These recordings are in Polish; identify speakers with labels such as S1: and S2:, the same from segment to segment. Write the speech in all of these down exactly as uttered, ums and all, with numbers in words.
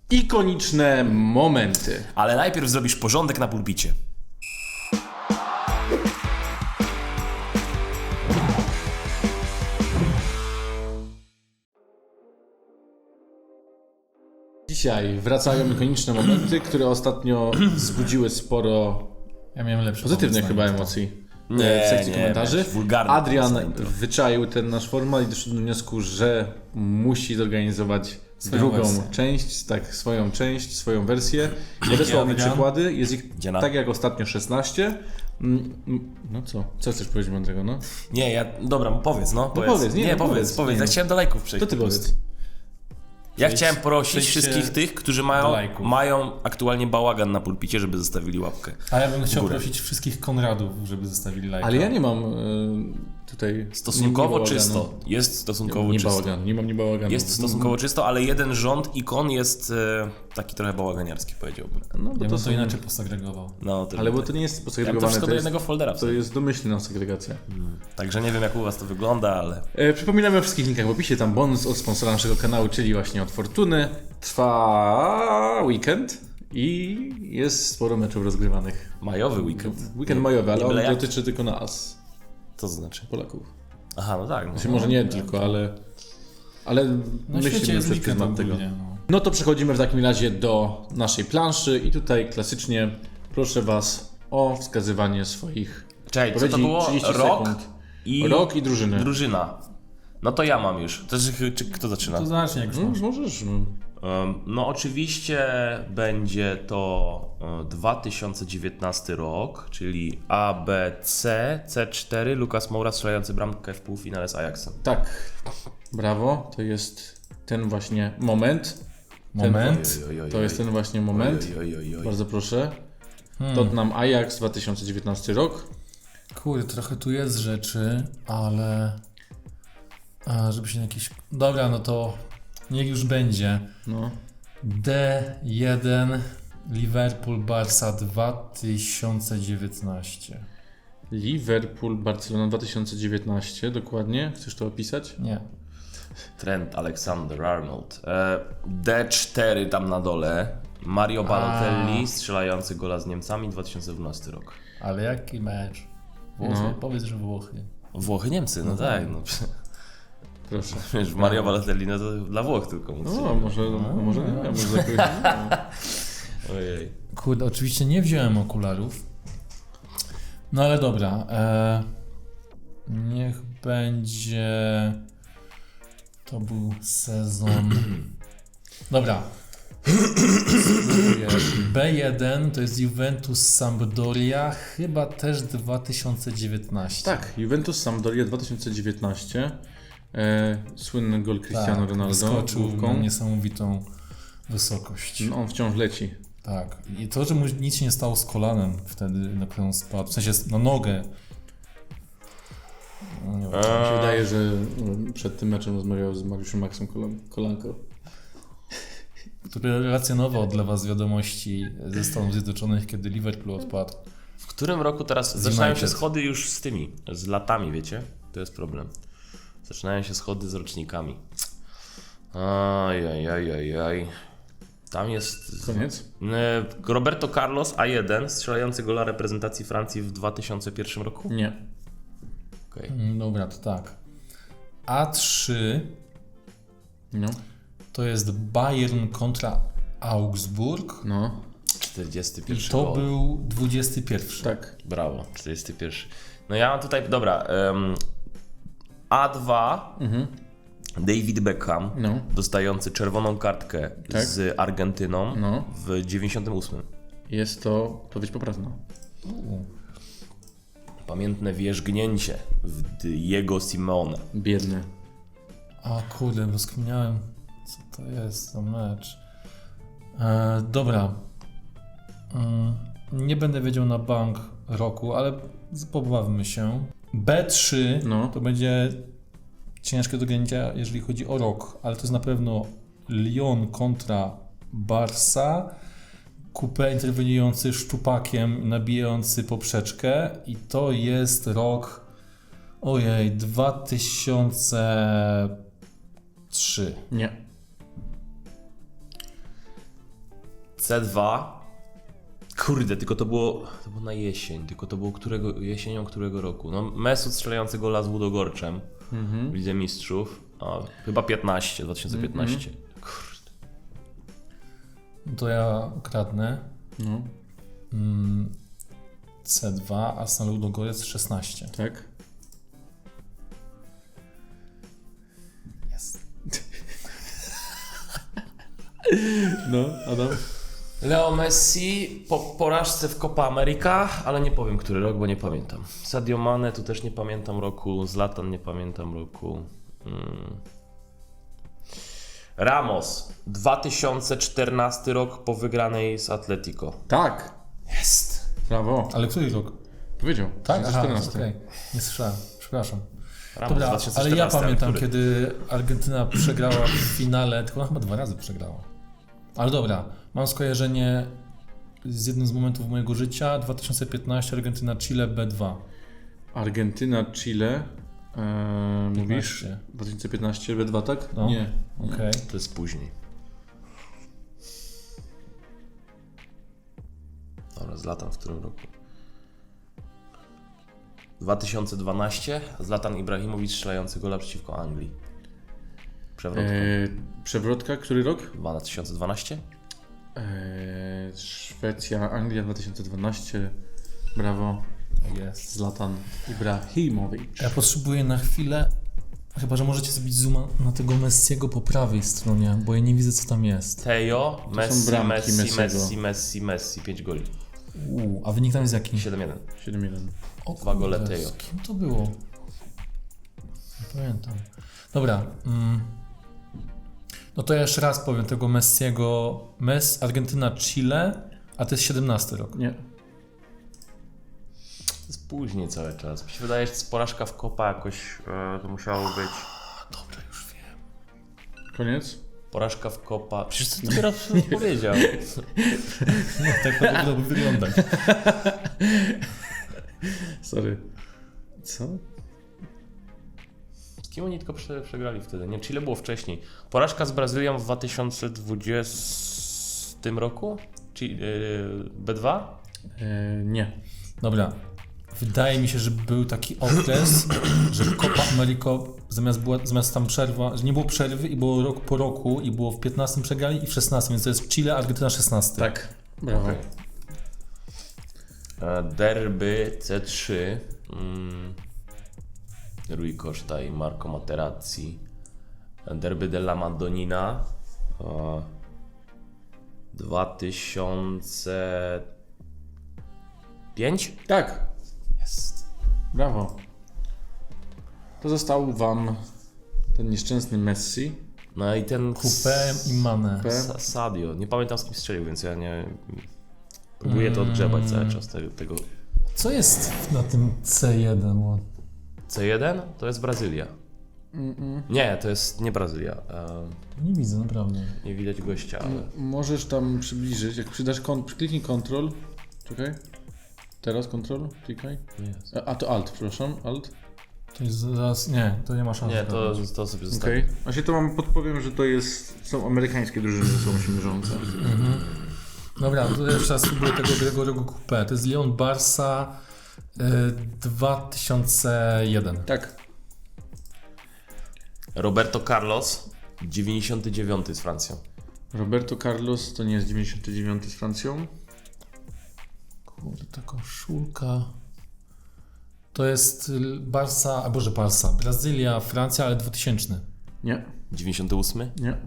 S1: Ikoniczne momenty.
S2: Ale najpierw zrobisz porządek na pulpicie.
S1: Dzisiaj wracają ikoniczne momenty, które ostatnio wzbudziły sporo
S3: Ja miałem lepsze
S1: pozytywnych
S3: pomysł
S1: chyba
S3: na intro.
S1: emocji
S2: Nie,
S1: w sekcji
S2: nie,
S1: komentarzy.
S2: miałeś wulgarny
S1: Adrian
S2: pomysł na intro.
S1: wyczaił ten nasz format i doszedł do wniosku, że musi zorganizować
S3: Swoją
S1: drugą
S3: wersję.
S1: część, tak, swoją część, swoją wersję. Podesłał mi
S3: Adrian?
S1: przykłady, jest ich
S2: Dziena.
S1: tak jak ostatnio szesnaście. Mm, mm, No co? Co chcesz powiedzieć mądrego, no?
S2: Nie, ja... Dobra, powiedz, no. Powiedz,
S1: powiedz, nie,
S2: nie
S1: no
S2: powiedz,
S1: powiedz,
S2: powiedz.
S1: nie,
S2: Ja
S1: no.
S2: chciałem do lajków przejść.
S1: To ty
S2: po prostu.
S1: powiedz.
S2: Ja
S3: Przejdź-
S2: chciałem prosić
S3: przejdźcie
S2: wszystkich tych, którzy
S3: do
S2: mają,
S3: lajków.
S2: mają aktualnie bałagan na pulpicie, żeby zostawili łapkę.
S3: A ja bym chciał
S2: górę.
S3: prosić wszystkich Konradów, żeby zostawili lajka.
S1: Ale ja nie mam y, tutaj...
S2: Stosunkowo
S1: nie, nie
S2: czysto. Jest stosunkowo
S1: Nie, nie
S2: czysto.
S1: bałagan, nie mam nie bałaganu.
S2: Jest stosunkowo czysto, ale jeden rząd ikon jest e, taki trochę bałaganiarski, powiedziałbym.
S1: No, bo
S3: Ja
S1: to
S3: bym
S1: są...
S3: to inaczej posegregował.
S2: No, to
S1: Ale bo to nie jest
S2: ja bym to
S1: posegregowane,
S2: wszystko
S1: to
S2: do
S1: jest,
S2: jednego foldera.
S1: to jest domyślna segregacja.
S2: Także nie wiem, jak u was to wygląda, ale...
S1: E, przypominamy o wszystkich linkach w opisie, tam bonus od sponsora naszego kanału, czyli właśnie od Fortuny. Trwa weekend i jest sporo meczów rozgrywanych.
S2: Majowy weekend.
S1: Weekend majowy, ale
S2: Nie
S1: on
S2: byle jak.
S1: dotyczy tylko nas,
S2: Co to znaczy?
S1: Polaków.
S2: Aha, no tak. No.
S1: Znaczy może nie tylko, ale, ale
S3: Na świecie
S1: myślimy
S3: jest
S1: przez
S3: weekend
S1: pryzmat tego.
S3: ogólnie. No.
S1: No to przechodzimy w takim razie do naszej planszy i tutaj klasycznie proszę Was o wskazywanie swoich
S2: Czekaj, co to
S1: odpowiedzi.
S2: było?
S1: trzydzieści
S2: Rok
S1: sekund.
S2: i
S1: Rok i drużyny.
S2: drużyna. No to ja mam już. To, czy, czy kto zaczyna?
S3: To zacznij jak już
S1: No,
S3: masz.
S1: możesz. No.
S2: Um, no oczywiście będzie to e, dwa tysiące dziewiętnasty rok, czyli A B C, C cztery, Lukas Moura strzelający bramkę w półfinale z Ajaxem.
S1: Tak, brawo, to jest ten właśnie moment. Ten,
S3: Moment.
S2: Oj, oj, oj,
S1: To jest
S2: oj.
S1: ten właśnie moment.
S2: Oj, oj, oj, oj.
S1: Bardzo proszę.
S3: Hmm.
S1: Tottenham Ajax dwa tysiące dziewiętnasty rok.
S3: Kurde, trochę tu jest rzeczy, ale... A, żeby się jakieś... Dobra, no to niech już będzie.
S1: No.
S3: D jeden Liverpool Barca dwa tysiące dziewiętnaście.
S1: Liverpool Barcelona dwa tysiące dziewiętnaście, dokładnie. Chcesz to opisać?
S3: Nie.
S2: Trent Alexander-Arnold. E, D cztery tam na dole. Mario Balotelli strzelający gola z Niemcami dwa tysiące dwunasty rok.
S3: Ale jaki mecz? Włochy?
S1: No.
S3: Powiedz, że Włochy.
S2: Włochy, Niemcy, no tak. No.
S1: Proszę.
S2: Wiesz, Mario Balotelli no to dla Włoch tylko móc.
S1: No, może, no, może nie wiem, może jakoś, no.
S2: Ojej.
S3: Kurde, oczywiście nie wziąłem okularów. No ale dobra. E, niech będzie... To był sezon... Dobra. B jeden to jest Juventus Sampdoria, chyba też dwa tysiące dziewiętnaście.
S1: Tak, Juventus Sampdoria dwa tysiące dziewiętnaście. E, słynny gol Cristiano
S3: tak,
S1: Ronaldo
S3: wyskoczył na
S1: główką.
S3: niesamowitą wysokość.
S1: No, on wciąż leci.
S3: Tak. I to, że mu nic się nie stało z kolanem wtedy, na którą spadł, w sensie na nogę. No, nie wiem.
S1: Mi się wydaje, że mm, przed tym meczem rozmawiał z Mariuszem Maxem Kolan- Kolanko.
S3: Który relacjonował dla was wiadomości ze Stanów Zjednoczonych, kiedy Liverpool odpadł.
S2: W którym roku teraz
S3: Z
S2: zaczynają
S3: United.
S2: się schody już z tymi, z latami, wiecie? To jest problem. Zaczynają się schody z rocznikami. Aj, aj, aj, aj, aj. Tam jest...
S1: Koniec?
S2: E, Roberto Carlos A jeden, strzelający gola reprezentacji Francji w dwa tysiące pierwszym roku.
S1: Nie.
S2: Okay.
S3: Mm, Dobra, to tak. A trzy
S1: No.
S3: to jest Bayern kontra Augsburg.
S1: No.
S2: czterdziesty
S3: I
S2: pierwszy
S3: to
S2: gol.
S3: był dwudziesty pierwszy.
S1: Tak.
S2: Brawo, czterdziesty pierwszy. No ja mam tutaj, dobra, um, A dwa,
S1: Mhm.
S2: David Beckham,
S1: No.
S2: dostający czerwoną kartkę
S1: Tak.
S2: z Argentyną
S1: No.
S2: w dziewięćdziesiątym ósmym.
S1: Jest to odpowiedź poprawna.
S3: U.
S2: Pamiętne wierzgnięcie w Diego Simeone.
S1: Biedny.
S3: A kurde, rozkminiałem, co to jest za mecz. E, dobra. Mm, nie będę wiedział na bank roku, ale pobawmy się. B trzy
S1: No.
S3: to będzie ciężkie do ganięcia, jeżeli chodzi o rok, ale to jest na pewno Lyon kontra Barca. Coupé interweniujący szczupakiem, nabijający poprzeczkę i to jest rok, ojej, dwa tysiące trzy.
S1: Nie.
S2: C dwa. Kurde, tylko to było, to było na jesień, tylko to było którego, jesienią którego roku? No Mesut strzelający gola z Łudogorczem
S1: Mhm.
S2: w Lidze Mistrzów. A, chyba piętnaście, dwa tysiące piętnaście. Kurde.
S3: No to ja ukradnę.
S1: No,
S3: Mm, C dwa, Arsenal Ludogorec szesnaście.
S1: tak.
S3: Jest.
S1: No, Adam?
S2: Leo Messi po porażce w Copa America, ale nie powiem który rok, bo nie pamiętam. Sadio Mane, tu też nie pamiętam roku. Zlatan, nie pamiętam roku. Hmm. Ramos, dwa tysiące czternasty rok po wygranej z Atletico.
S1: Tak.
S2: Jest.
S1: Brawo.
S3: Ale który rok?
S1: Powiedział.
S3: Tak? Aha,
S1: czternasty.
S3: okej. Nie słyszałem. Przepraszam.
S2: Ramos,
S3: Dobra,
S2: dwa tysiące czternasty,
S3: ale ja pamiętam,
S2: który?
S3: kiedy Argentyna przegrała w finale, tylko ona chyba dwa razy przegrała. Ale dobra, mam skojarzenie z jednym z momentów mojego życia. dwa tysiące piętnaście, Argentyna, Chile, B dwa.
S1: Argentyna, Chile. Eee, mówisz?
S3: piętnaście.
S1: dwa tysiące piętnaście, B dwa, tak?
S3: No.
S1: Nie. nie.
S3: Okej.
S2: To jest później. Dobra, Zlatan w którym roku? dwa tysiące dwanaście, Zlatan Ibrahimowicz strzelający gola przeciwko Anglii. Przewrotka.
S1: Eee, przewrotka, który rok?
S2: dwa tysiące dwanaście?
S1: Eee, Szwecja, Anglia dwa tysiące dwanaście. Brawo.
S3: Jest.
S1: Zlatan Ibrahimowicz.
S3: Ja potrzebuję na chwilę, chyba że możecie zrobić zooma na tego Messiego po prawej stronie, bo ja nie widzę co tam jest.
S2: Teo, Messi,
S1: bramki
S2: Messi,
S1: Messiego.
S2: Messi, Messi, Messi, pięć goli.
S3: Uuu, a wynik tam jest jaki?
S2: siedem jeden.
S1: siedem jeden.
S3: O
S2: Dwa gole
S3: kurde,
S2: Teo.
S3: z kim to było? Nie pamiętam. Dobra. Mm. No to ja jeszcze raz powiem tego Messiego. Messi, Argentyna, Chile, a to jest siedemnasty rok.
S1: Nie.
S2: To jest później cały czas. Mi się wydaje, że to jest porażka w Copa jakoś, e, to musiało być.
S3: Dobra, już wiem.
S1: Koniec?
S2: Porażka w Copa. Przecież to dopiero powiedział.
S3: No, tak to powinno by wyglądać.
S1: Sorry. Co?
S2: Z kim oni tylko prze, przegrali wtedy? Nie, Chile było wcześniej. Porażka z Brazylią w dwa tysiące dwudziestym roku? Czy yy, B dwa?
S1: Eee, nie.
S3: Dobra. Wydaje mi się, że był taki okres, że Copa America zamiast, była, zamiast tam przerwa, że nie było przerwy i było rok po roku i było w piętnastym przegrali i w szesnastym, więc to jest Chile, Argentyna szesnasty.
S1: Tak. Brawo.
S2: Okay. E, derby C trzy. Mm. Rui Costa i Marco Materazzi. Derby della Madonnina. E, dwa tysiące pięć?
S1: Tak.
S2: Jest.
S1: Brawo. To został wam ten nieszczęsny Messi.
S2: No i ten
S3: Coupé i Mane.
S1: Coupé.
S2: Sa- Sadio. Nie pamiętam z kim strzelił, więc ja nie... Próbuję to odgrzebać cały czas tego, tego.
S3: Co jest na tym C jeden? Bo
S2: C jeden to jest Brazylia.
S1: Mm-mm.
S2: Nie, to jest nie Brazylia. E,
S3: nie widzę, naprawdę.
S2: nie widać gościa, ale...
S1: M- Możesz tam przybliżyć. Jak przydasz kon- kliknij Ctrl. Czekaj. Teraz Ctrl. Klikaj.
S2: Jest.
S1: A, a to Alt, przepraszam. Alt.
S3: To jest zaraz... Nie, to nie ma szans.
S2: Nie, to,
S3: zgadnąć.
S2: to sobie
S1: Okej.
S2: zostawię.
S1: Właśnie to wam podpowiem, że to jest. Są amerykańskie drużyny ze sobą się mierzące.
S3: Dobra, to jeszcze raz spróbuję tego Gregorego Coupé. To jest Lyon Barça y, dwa tysiące jeden.
S1: Tak.
S2: Roberto Carlos, dziewięćdziesiąty dziewiąty z Francją.
S1: Roberto Carlos to nie jest dziewięćdziesiąty dziewiąty z Francją.
S3: Kurde, ta koszulka. To jest y, Barça, a Boże Barça, Brazylia, Francja, ale dwutysięczny.
S1: Nie.
S2: dziewięćdziesiąty ósmy?
S1: Nie.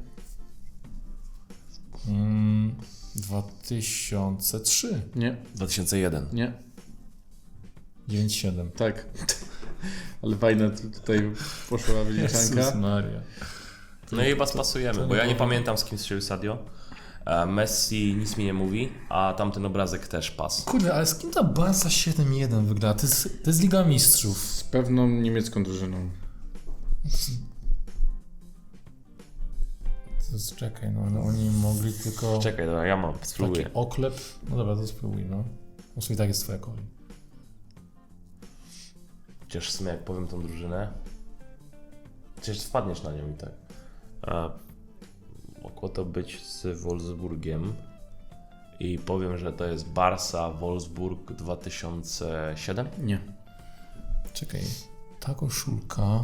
S3: Mm, dwa tysiące trzy.
S1: Nie.
S2: dwa tysiące jeden.
S1: Nie.
S3: dziewięć siedem.
S1: Tak. Ale fajna tu- tutaj poszła wyliczanka.
S3: Jezus Maria.
S2: No i chyba spasujemy,
S3: to
S2: bo
S3: nie
S2: ja nie
S3: powiem.
S2: pamiętam z kim strzelił Sadio. E, Messi nic mi nie mówi, a tamten obrazek też pas.
S3: Kurde, ale z kim ta Barca siedem jeden wygra? To jest, to jest Liga Mistrzów.
S1: Z pewną niemiecką drużyną.
S3: To jest, czekaj, no, no oni mogli tylko...
S2: Czekaj, dobra, ja mam, spróbuję.
S3: Taki oklep. No dobra, to spróbuj, no. Muszę i tak jest twoja kolej.
S2: Chociaż w sumie jak powiem tą drużynę, przecież wpadniesz na nią i tak. A, mogło to być z Wolfsburgiem. i powiem, że to jest Barca Wolfsburg dwa tysiące siedem.
S1: Nie.
S3: Czekaj, ta koszulka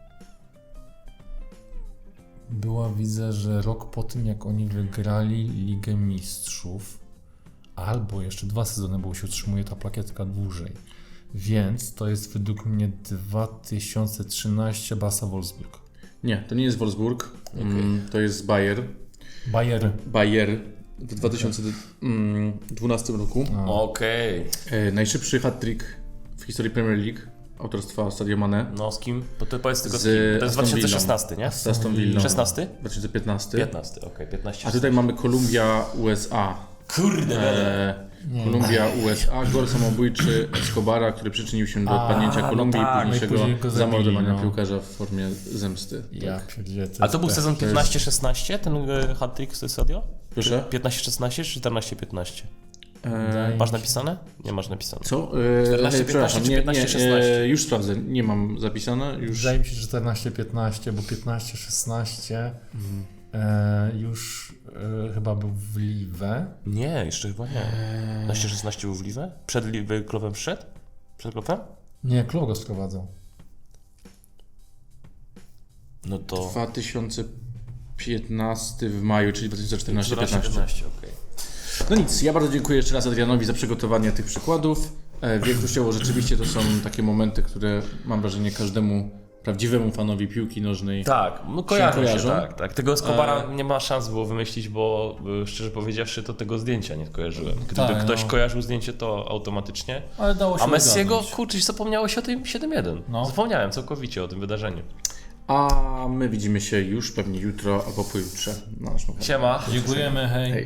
S3: była, widzę, że rok po tym, jak oni wygrali Ligę Mistrzów, albo jeszcze dwa sezony, bo się utrzymuje ta plakietka dłużej. Więc to jest według mnie dwa tysiące trzynaście Barca Wolfsburg.
S1: Nie, to nie jest Wolfsburg, mm, to jest Bayer.
S3: Bayer.
S1: Bayer w dwa tysiące dwunastym roku.
S2: Okej.
S1: E, najszybszy hat-trick w historii Premier League autorstwa Sadio Mane
S2: No z kim? Bo to powiedz tylko z
S1: Z
S2: kim. To jest
S1: Aston
S2: dwa tysiące szesnasty, nie?
S1: z Aston Villą.
S2: szesnasty?
S1: dwa tysiące piętnasty.
S2: piętnasty, okej, piętnaście.
S1: A tutaj mamy Kolumbia U S A.
S2: Kurde,
S1: E, Kolumbia U S A, gol samobójczy Escobara, który przyczynił się do
S3: A,
S1: odpadnięcia
S3: no
S1: Kolumbii
S3: tak,
S1: i późniejszego
S3: no i później go zabili,
S1: zamordowania
S3: no.
S1: piłkarza w formie zemsty.
S3: Ja pierdzielę,
S2: A to był
S3: jest
S2: sezon
S1: to jest-
S2: piętnaście szesnaście, ten e, hat-trick z Sadio?
S1: Proszę?
S2: piętnaście szesnaście czy czternaście piętnaście?
S1: E,
S2: Masz napisane? Nie masz napisane.
S1: co?
S2: czternaście,
S1: E, przepraszam,
S2: piętnaście czy
S1: nie,
S2: piętnaście,
S1: nie,
S2: szesnaście?
S1: e, już sprawdzę, nie mam zapisane. Już.
S3: Wydaje mi się, że czternaście piętnaście, bo piętnaście szesnaście e, już e, chyba był w Liwę.
S2: Nie, jeszcze chyba nie. piętnaście szesnaście był w Liwę? Przed Liwę Klopem wszedł? Przed Klopem?
S3: Nie, Klopp go sprowadzał.
S2: No to...
S1: dwa tysiące piętnasty w maju, czyli dwa tysiące czternasty piętnaście.
S2: piętnaście, okej.
S1: No nic, ja bardzo dziękuję jeszcze raz Adrianowi za przygotowanie tych przykładów. E, Większościowo rzeczywiście to są takie momenty, które mam wrażenie każdemu prawdziwemu fanowi piłki nożnej.
S2: Tak, no kojarzą się,
S1: kojarzą?
S2: tak, tak. Tego Escobara nie ma szans było wymyślić, bo y, szczerze powiedziawszy to tego zdjęcia nie kojarzyłem. Gdyby
S3: Tak,
S2: ktoś
S3: no.
S2: kojarzył zdjęcie, to automatycznie.
S3: Ale dało się
S2: A Messiego,
S3: ogarnąć.
S2: kurczę, zapomniało się o tym siedem jeden.
S3: No.
S2: Zapomniałem całkowicie o tym wydarzeniu.
S1: A my widzimy się już pewnie jutro albo pojutrze na naszym kanale.
S2: Siema.
S3: Dziękujemy, hej.
S1: Hej.